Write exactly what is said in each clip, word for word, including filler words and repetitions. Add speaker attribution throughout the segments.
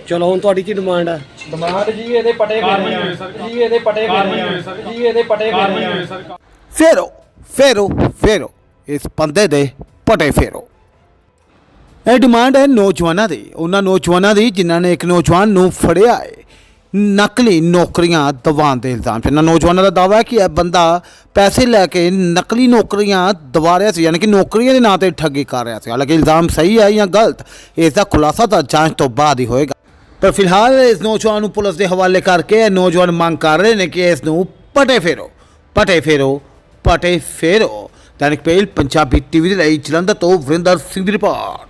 Speaker 1: ਚਲੋ ਹੁਣ ਤੁਹਾਡੀ ਕੀ ਡਿਮਾਂਡ ਹੈ?
Speaker 2: ਡਿਮਾਂਡ ਜੀ ਇਹਦੇ ਪਟੇ ਫੇਰਨੇ ਆ ਜੀ, ਇਹਦੇ ਪਟੇ ਫੇਰਨੇ ਆ ਜੀ, ਇਹਦੇ ਪਟੇ ਫੇਰਨੇ ਆ।
Speaker 3: ਫੇਰੋ ਫੇਰੋ ਫੇਰੋ ਇਸ ਬੰਦੇ ਦੇ ਪਟੇ ਫੇਰੋ। ਇਹ ਡਿਮਾਂਡ ਹੈ ਨੌਜਵਾਨਾਂ ਦੀ, ਉਹਨਾਂ ਨੌਜਵਾਨਾਂ ਦੀ ਜਿਨ੍ਹਾਂ ਨੇ ਇੱਕ ਨੌਜਵਾਨ ਨੂੰ ਫੜਿਆ ਹੈ ਨਕਲੀ ਨੌਕਰੀਆਂ ਦਿਵਾਉਣ ਦੇ ਇਲਜ਼ਾਮ 'ਚ। ਇਹਨਾਂ ਨੌਜਵਾਨਾਂ ਦਾ ਦਾਅਵਾ ਹੈ ਕਿ ਇਹ ਬੰਦਾ ਪੈਸੇ ਲੈ ਕੇ ਨਕਲੀ ਨੌਕਰੀਆਂ ਦਿਵਾ ਰਿਹਾ ਸੀ, ਯਾਨੀ ਕਿ ਨੌਕਰੀਆਂ ਦੇ ਨਾਂ 'ਤੇ ਠੱਗੀ ਕਰ ਰਿਹਾ ਸੀ। ਹਾਲਾਂਕਿ ਇਲਜ਼ਾਮ ਸਹੀ ਹੈ ਜਾਂ ਗਲਤ, ਇਸ ਦਾ ਖੁਲਾਸਾ ਤਾਂ ਜਾਂਚ ਤੋਂ ਬਾਅਦ ਹੀ ਹੋਏਗਾ। ਪਰ ਫਿਲਹਾਲ ਇਸ ਨੌਜਵਾਨ ਨੂੰ ਪੁਲਿਸ ਦੇ ਹਵਾਲੇ ਕਰਕੇ ਇਹ ਨੌਜਵਾਨ ਮੰਗ ਕਰ ਰਹੇ ਨੇ ਕਿ ਇਸ ਨੂੰ ਪਟੇ ਫੇਰੋ ਪਟੇ ਫੇਰੋ ਪਟੇ ਫੇਰੋ। ਦੈਨਿਕ ਪਹਿਲ ਪੰਜਾਬੀ ਟੀਵੀ ਦੇ ਲਈ ਜਲੰਧਰ ਤੋਂ ਵਰਿੰਦਰ ਸਿੰਘ ਦੀ ਰਿਪੋਰਟ।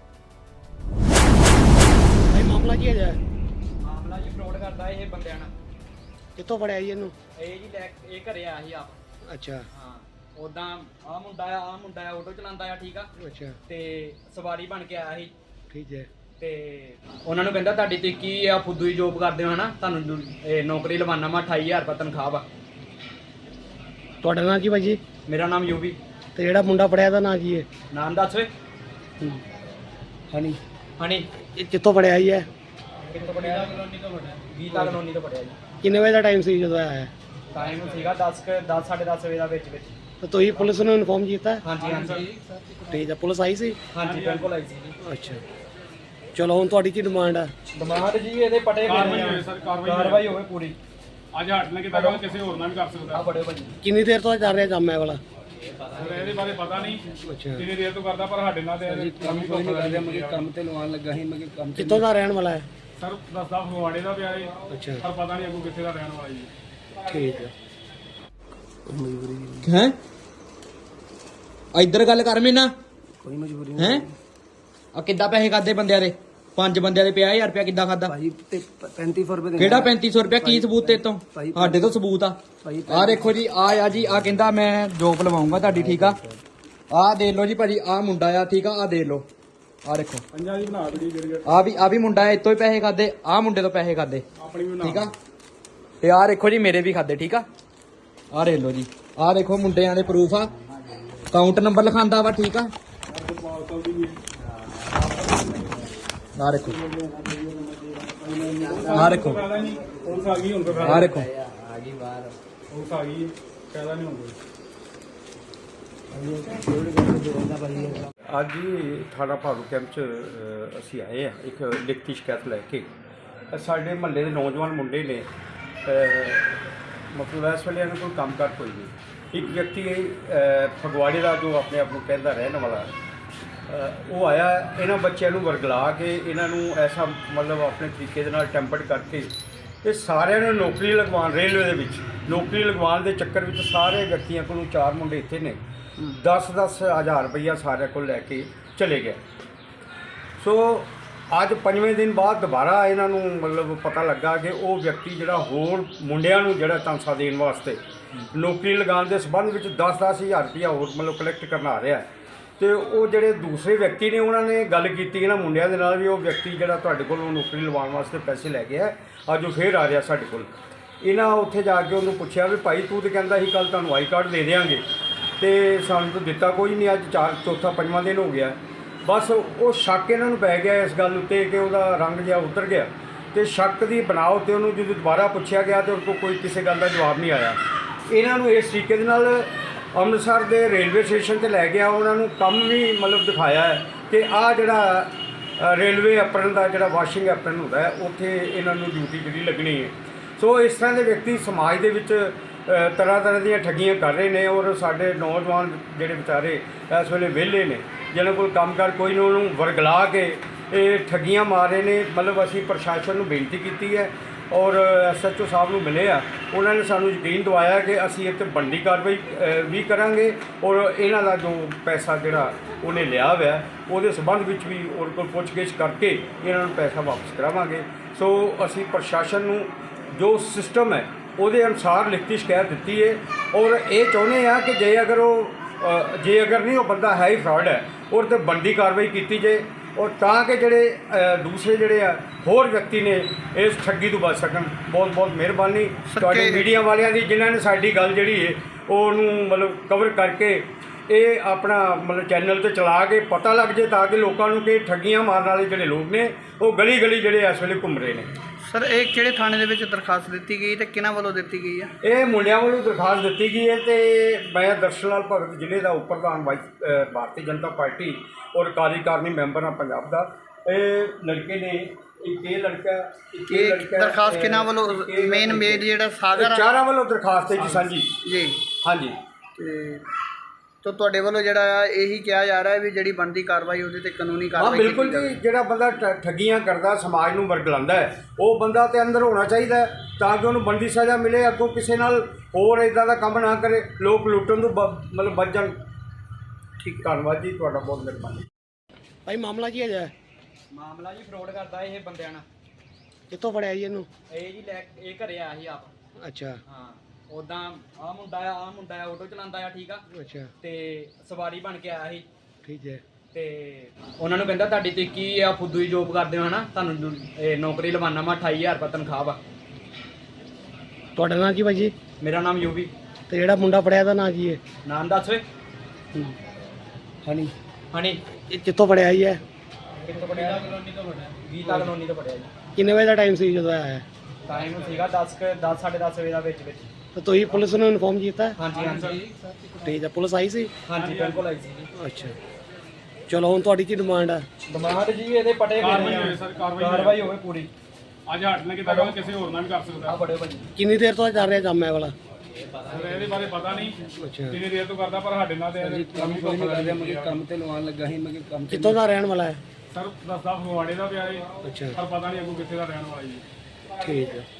Speaker 1: ਭਾਈ ਮਾਮਲਾ ਕੀ ਹੈ?
Speaker 2: ਮਾਮਲਾ ਜੀ ਫਰੋਡ ਕਰਦਾ ਇਹ ਬੰਦਿਆਂ ਨਾਲ।
Speaker 1: ਕਿੱਥੋਂ ਫੜਿਆ ਜੀ ਇਹਨੂੰ?
Speaker 2: ਇਹ ਜੀ ਲੈ ਇਹ ਘਰੇ ਆਇਆ ਸੀ ਆਪ।
Speaker 1: ਅੱਛਾ
Speaker 2: ਹਾਂ ਉਦਾਂ ਆ ਮੁੰਡਾ ਆ ਆ ਮੁੰਡਾ ਆ ਆਟੋ ਚਲਾਉਂਦਾ ਆ, ਠੀਕ ਆ,
Speaker 1: ਅੱਛਾ
Speaker 2: ਤੇ ਸਵਾਰੀ ਬਣ ਕੇ ਆਇਆ ਸੀ
Speaker 1: ਠੀਕ ਹੈ।
Speaker 2: ਤੇ ਉਹਨਾਂ ਨੂੰ ਕਹਿੰਦਾ ਤੁਹਾਡੀ ਤੇ ਕੀ ਆ ਫੁੱਦੂ ਦੀ ਜੋਬ ਕਰਦੇ ਹੋ ਹਨਾ, ਤੁਹਾਨੂੰ ਇਹ ਨੌਕਰੀ ਲਵਾਨਾ ਮੈਂ ਅਠਾਈ ਹਜ਼ਾਰ ਰੁਪਏ ਤਨਖਾਹ ਵਾ।
Speaker 1: ਤੁਹਾਡਾ ਨਾਂ ਕੀ ਭਾਈ ਜੀ?
Speaker 2: ਮੇਰਾ ਨਾਮ ਯੂਵੀ।
Speaker 1: ਤੇ ਜਿਹੜਾ ਮੁੰਡਾ ਫੜਿਆ ਦਾ ਨਾਂ ਕੀ ਹੈ?
Speaker 2: ਨਾਮ ਦੱਸ ਵੇ।
Speaker 1: ਹਨੀ।
Speaker 2: ਹਣੀ
Speaker 1: ਇਹ ਕਿੱਥੋਂ ਫੜਿਆ ਜੀ? ਹੈ
Speaker 2: ਕਿੱਥੋਂ ਪੜਿਆ? ਕਲੋਨੀ ਤੋਂ ਪੜਿਆ, ਗੀਤਾ ਕਲੋਨੀ ਤੋਂ ਪੜਿਆ ਜੀ।
Speaker 1: ਕਿੰਨੇ ਵਜੇ ਦਾ ਟਾਈਮ ਸੀ ਜਦੋਂ ਆਇਆ ਹੈ?
Speaker 2: ਟਾਈਮ ਸੀਗਾ ਦਸ ਦਸ ਸਾਢੇ ਦਸ ਵਜੇ ਦਾ ਵਿੱਚ ਵਿੱਚ।
Speaker 1: ਤੇ ਤੁਸੀਂ ਪੁਲਿਸ ਨੂੰ ਇਨਫੋਰਮ ਕੀਤਾ?
Speaker 2: ਹਾਂਜੀ ਹਾਂਜੀ
Speaker 1: ਠੀਕ ਹੈ, ਪੁਲਿਸ ਆਈ ਸੀ?
Speaker 2: ਹਾਂਜੀ ਬਿਲਕੁਲ ਆਈ ਸੀ ਜੀ।
Speaker 1: ਅੱਛਾ ਚਲੋ ਹੁਣ ਤੁਹਾਡੀ ਕੀ ਡਿਮਾਂਡ ਹੈ?
Speaker 2: ਡਿਮਾਂਡ ਜੀ ਇਹਦੇ ਪਟੇ ਫੇਰਨੇ ਆ, ਕਾਰਵਾਈ ਹੋਵੇ ਪੂਰੀ।
Speaker 4: ਅੱਜ ਹੱਟ ਨਾ ਕਿਤਾ ਕਿਸੇ ਹੋਰ ਨਾਲ ਵੀ ਕਰ
Speaker 2: ਆ
Speaker 4: ਸਕਦਾ।
Speaker 2: ਬੜੇ ਭਾਜੀ
Speaker 1: ਕਿੰਨੀ ਦੇਰ ਤੋਂ ਚੱਲ ਰਿਹਾ ਕੰਮ ਇਹ ਵਾਲਾ?
Speaker 4: ਫਿਰ ਇਹਦੇ ਬਾਰੇ ਪਤਾ ਨਹੀਂ
Speaker 1: ਅੱਛਾ
Speaker 4: ਕਿੰਨੀ ਦੇਰ ਤੋਂ ਕਰਦਾ, ਪਰ ਸਾਡੇ ਨਾਲ ਤੇ ਕੰਮ ਹੀ ਕੋਈ ਨਹੀਂ ਕਰਦਾ।
Speaker 1: ਮਗੇ ਕੰਮ ਤੇ ਲਵਾਉਣ ਲੱਗਾ ਸੀ, ਮਗੇ ਕੰਮ ਕਿੱਥੋਂ ਦਾ ਰਹਿਣ ਵਾਲਾ ਹੈ?
Speaker 4: ਸਰ ਦੱਸਦਾ ਫਗਵਾੜੇ ਦਾ ਪਿਆ ਏ,
Speaker 1: ਅੱਛਾ
Speaker 4: ਪਰ ਪਤਾ ਨਹੀਂ ਅੱਗੋਂ ਕਿੱਥੇ ਦਾ ਰਹਿਣ ਵਾਲਾ ਜੀ।
Speaker 1: ਠੀਕ ਹੈ।
Speaker 2: ਹੈ ਇੱਧਰ ਗੱਲ ਕਰ ਮੈਨਾਂ।
Speaker 1: ਕੋਈ ਮਜਬੂਰੀ
Speaker 2: ਹੈ ਆ ਕਿੱਦਾਂ ਪੈਸੇ ਖਾਦੇ ਬੰਦਿਆਂ ਦੇ? ਪੰਜ ਬੰਦਿਆਂ ਦੇ ਪੰਜਾਹ ਹਜ਼ਾਰ ਰੁਪਇਆ ਕਿੱਦਾਂ ਖਾਦਾ?
Speaker 1: ਭਾਈ ਤੇ ਪੈਂਤੀ ਸੌ ਰੁਪਏ
Speaker 2: ਕਿਹੜਾ ਪੈਂਤੀ ਸੌ ਰੁਪਇਆ? ਕੀ ਸਬੂਤ ਤੇ ਤੋਂ? ਸਾਡੇ ਤੋਂ ਸਬੂਤ ਆ। ਆ ਦੇਖੋ ਜੀ, ਆ ਆ ਜੀ, ਆ ਕਹਿੰਦਾ ਮੈਂ ਜੋਬ ਲਵਾਉਂਗਾ ਤੁਹਾਡੀ, ਠੀਕ ਆ। ਆ ਦੇਖ ਲਓ ਜੀ ਭਾਜੀ, ਆ ਮੁੰਡਾ ਆ, ਠੀਕ ਆ, ਆ ਦੇਖ ਲਓ, ਆ ਦੇਖੋ
Speaker 4: ਪੰਜਾਂ ਦੀ ਬਣਾ ਬੜੀ ਜਿਹੜੀ
Speaker 2: ਆ ਵੀ ਆ ਵੀ ਮੁੰਡਾ ਹੈ, ਇਤੋਂ ਹੀ ਪੈਸੇ ਖਾਦੇ, ਆ ਮੁੰਡੇ ਤੋਂ ਪੈਸੇ ਖਾਦੇ,
Speaker 4: ਆਪਣੀ ਵੀ
Speaker 2: ਠੀਕ ਆ। ਤੇ ਆ ਦੇਖੋ ਜੀ ਮੇਰੇ ਵੀ ਖਾਦੇ, ਠੀਕ ਆ। ਆ ਦੇਖ ਲਓ ਜੀ, ਆ ਦੇਖੋ ਮੁੰਡਿਆਂ ਦੇ ਪ੍ਰੂਫ ਆ, ਅਕਾਊਂਟ ਨੰਬਰ ਲਿਖਾਂਦਾ ਵਾ, ਠੀਕ ਆ। ਆ ਦੇਖੋ ਆ ਦੇਖੋ
Speaker 4: ਫਾਇਦਾ ਨਹੀਂ, ਪੁਲਿਸ ਆ ਗਈ ਹੁਣ ਤਾਂ
Speaker 2: ਆ ਦੇਖੋ
Speaker 4: ਪੁਲਿਸ ਆ ਗਈ, ਫਾਇਦਾ ਨਹੀਂ ਹੁੰਦਾ।
Speaker 5: ਅੱਜ ਹੀ ਥਾਣਾ ਭਾਰੂ ਕੈਂਪ 'ਚ ਅ, ਅਸੀਂ ਆਏ ਆ ਇੱਕ ਲਿਖਤੀ ਸ਼ਿਕਾਇਤ ਲੈ ਕੇ। ਅ, ਸਾਡੇ ਮਹੱਲੇ ਦੇ ਨੌਜਵਾਨ ਮੁੰਡੇ ਨੇ ਅ, ਮਤਲਬ ਇਸ ਵੇਲੇ ਇਹਨਾਂ ਕੋਲ ਕੰਮ ਕਰ ਕੋਈ ਨਹੀਂ। ਇੱਕ ਵਿਅਕਤੀ ਅ, ਫਗਵਾੜੇ ਦਾ ਜੋ ਆਪਣੇ ਆਪ ਨੂੰ ਕਹਿੰਦਾ ਰਹਿਣ ਵਾਲਾ, ਅ, ਉਹ ਆਇਆ ਇਹਨਾਂ ਬੱਚਿਆਂ ਨੂੰ ਵਰਗਲਾ ਕੇ ਇਹਨਾਂ ਨੂੰ ਐਸਾ ਮਤਲਬ ਆਪਣੇ ਤਰੀਕੇ ਦੇ ਨਾਲ ਟੈਂਪਰਡ ਕਰਕੇ ਇਹ ਸਾਰਿਆਂ ਨੂੰ ਨੌਕਰੀ ਲਗਵਾਉਣ, ਰੇਲਵੇ ਦੇ ਵਿੱਚ ਨੌਕਰੀ ਲਗਵਾਉਣ ਦੇ ਚੱਕਰ ਵਿੱਚ ਸਾਰੇ ਵਿਅਕਤੀਆਂ ਕੋਲੋਂ, ਚਾਰ ਮੁੰਡੇ ਇੱਥੇ ਨੇ, ਦਸ ਦਸ ਹਜ਼ਾਰ ਰੁਪਈਆ ਸਾਰਿਆਂ ਕੋਲ ਲੈ ਕੇ ਚਲੇ ਗਏ। ਸੋ ਅੱਜ ਪੰਜਵੇਂ ਦਿਨ ਬਾਅਦ ਦੁਬਾਰਾ ਇਹਨਾਂ ਨੂੰ ਮਤਲਬ ਪਤਾ ਲੱਗਾ ਕਿ ਉਹ ਵਿਅਕਤੀ ਜਿਹੜਾ ਹੋਰ ਮੁੰਡਿਆਂ ਨੂੰ ਜਿਹੜਾ ਚਾਂਸਾ ਦੇਣ ਵਾਸਤੇ ਨੌਕਰੀ ਲਗਾਉਣ ਦੇ ਸੰਬੰਧ ਵਿੱਚ ਦਸ ਦਸ ਹਜ਼ਾਰ ਰੁਪਈਆ ਹੋਰ ਮਤਲਬ ਕਲੈਕਟ ਕਰਨ ਆ ਰਿਹਾ। ਤੇ ਉਹ ਜਿਹੜੇ ਦੂਸਰੇ ਵਿਅਕਤੀ ਨੇ ਉਹਨਾਂ ਨੇ ਗੱਲ ਕੀਤੀ ਇਹਨਾਂ ਮੁੰਡਿਆਂ ਦੇ ਨਾਲ ਵੀ ਉਹ ਵਿਅਕਤੀ ਜਿਹੜਾ ਤੁਹਾਡੇ ਕੋਲੋਂ ਨੌਕਰੀ ਲਵਾਉਣ ਵਾਸਤੇ ਪੈਸੇ ਲੈ ਗਿਆ, ਅੱਜ ਉਹ ਫੇਰ ਆ ਰਿਹਾ ਸਾਡੇ ਕੋਲ। ਇਹਨਾਂ ਉੱਥੇ ਜਾ ਕੇ ਉਹਨੂੰ ਪੁੱਛਿਆ ਵੀ ਭਾਈ ਤੂੰ ਤਾਂ ਕਹਿੰਦਾ ਸੀ ਕੱਲ੍ਹ ਤੁਹਾਨੂੰ ਆਈ ਕਾਰਡ ਦੇ ਦਿਆਂਗੇ ਤੇ ਸਾਨੂੰ ਤਾਂ ਦਿੱਤਾ ਕੋਈ ਨਹੀਂ, ਅੱਜ ਚਾਰ ਚੌਥਾ ਪੰਜਵਾਂ ਦਿਨ ਹੋ ਗਿਆ। ਬਸ ਉਹ ਸ਼ੱਕ ਇਹਨਾਂ ਨੂੰ ਪੈ ਗਿਆ ਇਸ ਗੱਲ ਉੱਤੇ ਕਿ ਉਹਦਾ ਰੰਗ ਜਿਹਾ ਉਤਰ ਗਿਆ, ਤੇ ਸ਼ੱਕ ਦੀ ਬਣਾਓ ਤੇ ਉਹਨੂੰ ਜਦੋਂ ਦੁਬਾਰਾ ਪੁੱਛਿਆ ਗਿਆ ਤੇ ਉਹਦੇ ਕੋਲ ਕੋਈ ਕਿਸੇ ਗੱਲ ਦਾ ਜਵਾਬ ਨਹੀਂ ਆਇਆ। ਇਹਨਾਂ ਨੂੰ ਇਸ ਤਰੀਕੇ ਦੇ ਨਾਲ ਅੰਮ੍ਰਿਤਸਰ ਦੇ ਰੇਲਵੇ ਸਟੇਸ਼ਨ 'ਤੇ ਲੈ ਗਿਆ, ਉਹਨਾਂ ਨੂੰ ਕੰਮ ਵੀ ਮਤਲਬ ਦਿਖਾਇਆ ਹੈ ਕਿ ਆਹ ਜਿਹੜਾ ਰੇਲਵੇ ਐਪਰਨ ਦਾ ਜਿਹੜਾ ਵਾਸ਼ਿੰਗ ਐਪਰਨ ਹੁੰਦਾ ਹੈ ਉੱਥੇ ਇਹਨਾਂ ਨੂੰ ਡਿਊਟੀ ਜਿਹੜੀ ਲੱਗਣੀ ਹੈ। ਸੋ ਇਸ ਤਰ੍ਹਾਂ ਦੇ ਵਿਅਕਤੀ ਸਮਾਜ ਦੇ ਵਿੱਚ ਤਰ੍ਹਾਂ ਤਰ੍ਹਾਂ ਦੀਆਂ ਠੱਗੀਆਂ ਕਰ ਰਹੇ ਨੇ, ਔਰ ਸਾਡੇ ਨੌਜਵਾਨ ਜਿਹੜੇ ਵਿਚਾਰੇ ਇਸ ਵੇਲੇ ਵਿਹਲੇ ਨੇ, ਜਿਹਨਾਂ ਕੋਲ ਕੰਮ ਕਰ ਕੋਈ ਨਹੀਂ, ਉਹਨੂੰ ਵਰਗਲਾ ਕੇ ਇਹ ਠੱਗੀਆਂ ਮਾਰ ਰਹੇ ਨੇ। ਮਤਲਬ ਅਸੀਂ ਪ੍ਰਸ਼ਾਸਨ ਨੂੰ ਬੇਨਤੀ ਕੀਤੀ ਹੈ ਔਰ ਐਸ ਐਚ ਓ ਸਾਹਿਬ ਨੂੰ ਮਿਲੇ ਆ, ਉਹਨਾਂ ਨੇ ਸਾਨੂੰ ਯਕੀਨ ਦਿਵਾਇਆ ਕਿ ਅਸੀਂ ਇਹ 'ਤੇ ਬਣਦੀ ਕਾਰਵਾਈ ਵੀ ਕਰਾਂਗੇ ਔਰ ਇਹਨਾਂ ਦਾ ਜੋ ਪੈਸਾ ਜਿਹੜਾ ਉਹਨੇ ਲਿਆ ਹੋਇਆ ਉਹਦੇ ਸੰਬੰਧ ਵਿੱਚ ਵੀ ਉਹਦੇ ਕੋਲ ਪੁੱਛਗਿੱਛ ਕਰਕੇ ਇਹਨਾਂ ਨੂੰ ਪੈਸਾ ਵਾਪਸ ਕਰਾਵਾਂਗੇ। ਸੋ ਅਸੀਂ ਪ੍ਰਸ਼ਾਸਨ ਨੂੰ ਜੋ ਸਿਸਟਮ ਹੈ ਉਹਦੇ ਅਨੁਸਾਰ ਲਿਖਤੀ ਸ਼ਿਕਾਇਤ ਦਿੱਤੀ ਹੈ ਔਰ ਇਹ ਚਾਹੁੰਦੇ ਆ ਕਿ ਜੇ ਅਗਰ ਉਹ ਜੇ ਅਗਰ ਨਹੀਂ ਉਹ ਬੰਦਾ ਹੈ ਹੀ ਫਰਾਡ ਹੈ ਔਰ 'ਤੇ ਬਣਦੀ ਕਾਰਵਾਈ ਕੀਤੀ ਜਾਏ, ਔਰ ਤਾਂ ਕਿ ਜਿਹੜੇ ਦੂਸਰੇ ਜਿਹੜੇ ਆ ਹੋਰ ਵਿਅਕਤੀ ਨੇ ਇਸ ਠੱਗੀ ਤੋਂ ਬਚ ਸਕਣ। ਬਹੁਤ ਬਹੁਤ ਮਿਹਰਬਾਨੀ ਤੁਹਾਡੇ ਮੀਡੀਆ ਵਾਲਿਆਂ ਦੀ, ਜਿਨ੍ਹਾਂ ਨੇ ਸਾਡੀ ਗੱਲ ਜਿਹੜੀ ਹੈ ਉਹਨੂੰ ਮਤਲਬ ਕਵਰ ਕਰਕੇ ਇਹ ਆਪਣਾ ਮਤਲਬ ਚੈਨਲ ਤੇ ਚਲਾ ਕੇ ਪਤਾ ਲੱਗ ਜੇ ਤਾਂ ਕਿ ਲੋਕਾਂ ਨੂੰ ਕਿ ਠੱਗੀਆਂ ਮਾਰਨ ਵਾਲੇ ਜਿਹੜੇ ਲੋਕ ਨੇ ਉਹ ਗਲੀ ਗਲੀ ਜਿਹੜੇ ਇਸ ਵੇਲੇ ਘੁੰਮ ਰਹੇ ਨੇ।
Speaker 6: ਸਰ ਇਹ ਕਿਹੜੇ ਥਾਣੇ ਦੇ ਵਿੱਚ ਦਰਖਾਸਤ ਦਿੱਤੀ ਗਈ ਤੇ ਕਿਹਨਾਂ ਵੱਲੋਂ ਦਿੱਤੀ ਗਈ ਹੈ?
Speaker 5: ਇਹ ਮੁੰਡਿਆਂ ਵੱਲੋਂ ਦਰਖਾਸਤ ਦਿੱਤੀ ਗਈ ਹੈ ਤੇ ਮੈਂ ਦਰਸ਼ਨ ਲਾਲ ਭਗਤ ਜ਼ਿਲ੍ਹੇ ਦਾ ਉਪ ਪ੍ਰਧਾਨ ਵਾਈਸ ਅ, ਭਾਰਤੀ ਜਨਤਾ ਪਾਰਟੀ ਔਰ ਕਾਰਜਕਾਰਨੀ ਮੈਂਬਰ ਹਾਂ ਪੰਜਾਬ ਦਾ। ਇਹ ਲੜਕੇ ਨੇ ਇੱਕ ਇਹ ਲੜਕਾ ਇੱਕ ਇਹ
Speaker 6: ਇਹ
Speaker 5: ਲੜਕਾ
Speaker 6: ਦਰਖਾਸਤ
Speaker 5: ਅ,
Speaker 6: ਕਿਹਨਾਂ ਵੱਲੋਂ
Speaker 5: ਇੱਕ ਇਹ
Speaker 6: ਮੇਨ ਮੇਨ ਜਿਹੜਾ ਸਾਗਰ ਆ?
Speaker 5: ਚਾਰਾਂ ਵੱਲੋਂ ਦਰਖਾਸਤ ਹੈ ਜੀ ਸਾਂਝੀ।
Speaker 6: ਜੀ
Speaker 5: ਹਾਂਜੀ
Speaker 6: ਤੇ ਤਾਂ ਤੁਹਾਡੇ ਵੱਲੋਂ ਜਿਹੜਾ ਆ ਇਹੀ ਕਿਹਾ ਜਾ ਰਿਹਾ ਹੈ ਵੀ ਜਿਹੜੀ ਬਣਦੀ ਕਾਰਵਾਈ ਉਹਦੇ ਤੇ ਕਾਨੂੰਨੀ
Speaker 5: ਹਾਂ
Speaker 6: ਕਾਰਵਾਈ
Speaker 5: ਬਿਲਕੁਲ
Speaker 6: ਕੀਤੀ
Speaker 5: ਜੀ, ਜਿਹੜਾ ਬੰਦਾ ਠ- ਠੱਗੀਆਂ ਕਰਦਾ ਸਮਾਜ ਨੂੰ ਵਰਗਲਾਉਂਦਾ ਹੈ ਉਹ ਬੰਦਾ ਤੇ ਅੰਦਰ ਹੋਣਾ ਚਾਹੀਦਾ ਹੈ ਤਾਂ ਕਿ ਉਹਨੂੰ ਬਣਦੀ ਸਜ਼ਾ ਮਿਲੇ, ਅੱਗੋਂ ਕਿਸੇ ਨਾਲ ਹੋਰ ਇਦਾਂ ਦਾ ਕੰਮ ਨਾ ਕਰੇ, ਲੋਕ ਲੁੱਟਣ ਤੋਂ ਬ- ਮਤਲਬ ਬਚ ਜਾਣ। ਠੀਕ, ਧੰਨਵਾਦ ਜੀ ਤੁਹਾਡਾ, ਬਹੁਤ ਮਿਹਰਬਾਨੀ।
Speaker 1: ਭਾਈ ਮਾਮਲਾ ਕੀ ਹੈ?
Speaker 2: ਮਾਮਲਾ ਜੀ ਫਰੋਡ ਕਰਦਾ ਇਹ ਬੰਦਿਆਂ ਨਾਲ।
Speaker 1: ਕਿੱਥੋਂ ਫੜਿਆ ਜੀ ਇਹਨੂੰ?
Speaker 2: ਇਹ ਜੀ ਲੈ ਇਹ ਘਰੇ ਆਇਆ ਸੀ ਆਪ।
Speaker 1: ਅੱਛਾ
Speaker 2: ਹਾਂ ਉਦਾਂ ਆ ਮੁੰਡਾ ਆ ਆ ਮੁੰਡਾ ਆ ਆਟੋ ਚਲਾਉਂਦਾ ਆ, ਠੀਕ ਆ,
Speaker 1: ਅੱਛਾ
Speaker 2: ਤੇ ਸਵਾਰੀ ਬਣ ਕੇ ਆਇਆ ਸੀ
Speaker 1: ਠੀਕ ਹੈ।
Speaker 2: ਤੇ ਉਹਨਾਂ ਨੂੰ ਕਹਿੰਦਾ ਤੁਹਾਡੀ ਤੇ ਕੀ ਆ ਫੁੱਦੂ ਦੀ ਜੋਬ ਕਰਦੇ ਹੋ ਹਨਾ, ਤੁਹਾਨੂੰ ਇਹ ਨੌਕਰੀ ਲਵਾਨਾ ਮੈਂ ਅਠਾਈ ਹਜ਼ਾਰ ਰੁਪਏ ਤਨਖਾਹ ਵਾ।
Speaker 1: ਤੁਹਾਡਾ ਨਾਂ ਕੀ ਭਾਈ ਜੀ?
Speaker 2: ਮੇਰਾ ਨਾਮ ਯੂਵੀ।
Speaker 1: ਤੇ ਜਿਹੜਾ ਮੁੰਡਾ ਫੜਿਆ ਦਾ ਨਾਂ ਕੀ ਹੈ?
Speaker 2: ਨਾਮ ਦੱਸ ਓਏ।
Speaker 1: ਹਣੀ।
Speaker 2: ਹਣੀ
Speaker 1: ਇਹ ਕਿੱਥੋਂ ਫੜਿਆ ਜੀ? ਹੈ
Speaker 2: ਕਿੱਥੋਂ ਪੜਿਆ? ਕਲੋਨੀ ਤੋਂ ਪੜਿਆ। ਗੀਤਾ ਕਲੋਨੀ ਤੋਂ ਪੜਿਆ ਜੀ।
Speaker 1: ਕਿੰਨੇ ਵਜੇ ਦਾ ਟਾਈਮ ਸੀ ਜਦੋਂ ਆਇਆ ਹੈ?
Speaker 2: ਟਾਈਮ ਸੀਗਾ ਦਸ ਦਸ ਸਾਢੇ ਦਸ ਵਜੇ ਦਾ ਵਿੱਚ ਵਿੱਚ।
Speaker 1: ਤਾਂ ਤੁਸੀਂ ਪੁਲਿਸ ਨੂੰ ਇਨਫੋਰਮ ਕੀਤਾ?
Speaker 2: ਹਾਂਜੀ ਹਾਂਜੀ
Speaker 1: ਠੀਕ ਹੈ, ਪੁਲਿਸ ਆਈ ਸੀ?
Speaker 2: ਹਾਂਜੀ ਬਿਲਕੁਲ ਆਈ ਸੀ ਜੀ।
Speaker 1: ਅੱਛਾ ਚਲੋ, ਹੁਣ ਤੁਹਾਡੀ ਕੀ ਡਿਮਾਂਡ ਹੈ?
Speaker 2: ਡਿਮਾਂਡ ਜੀ ਇਹਦੇ ਪਟੇ
Speaker 4: ਕਾਰਵਾਈ ਹੋਵੇ ਸਰ, ਕਾਰਵਾਈ ਹੋਵੇ।
Speaker 2: ਕਾਰਵਾਈ ਹੋਵੇ ਪੂਰੀ।
Speaker 4: ਅੱਜ ਹੱਟ ਨੇ ਕੀਤਾ ਕੱਲ ਕਿਸੇ ਹੋਰ ਨਾਲ ਵੀ ਕਰ ਸਕਦਾ।
Speaker 2: ਆ ਬੜੇ ਭਾਜੀ
Speaker 1: ਕਿੰਨੀ ਦੇਰ ਤੋਂ ਚੱਲ ਰਿਹਾ ਕੰਮ ਹੈ ਵਾਲਾ?
Speaker 4: ਸਰ ਇਹਦੇ ਬਾਰੇ ਪਤਾ ਨਹੀਂ
Speaker 1: ਅੱਛਾ
Speaker 4: ਕਿੰਨੀ ਦੇਰ ਤੋਂ ਕਰਦਾ, ਪਰ ਸਾਡੇ ਨਾਲ ਤੇ ਇਹਦੇ ਕੰਮ ਕੋਈ ਨਹੀਂ ਕਰਦੇ।
Speaker 1: ਮੈਂ ਕੰਮ ਤੇ ਲਵਾਉਣ ਲੱਗਾ ਸੀ, ਮੈਂ ਕੰਮ ਕਿੱਥੋਂ ਦਾ ਰਹਿਣ ਵਾਲਾ ਹੈ?
Speaker 4: ਸਰ ਦੱਸਦਾ ਫਗਵਾੜੇ ਦਾ ਪਿਆ ਏ,
Speaker 1: ਅੱਛਾ
Speaker 4: ਪਰ ਪਤਾ ਨਹੀਂ ਅੱਗੋਂ ਕਿੱਥੇ ਦਾ ਰਹਿਣ ਵਾਲਾ ਜੀ।
Speaker 1: ਠੀਕ ਹੈ।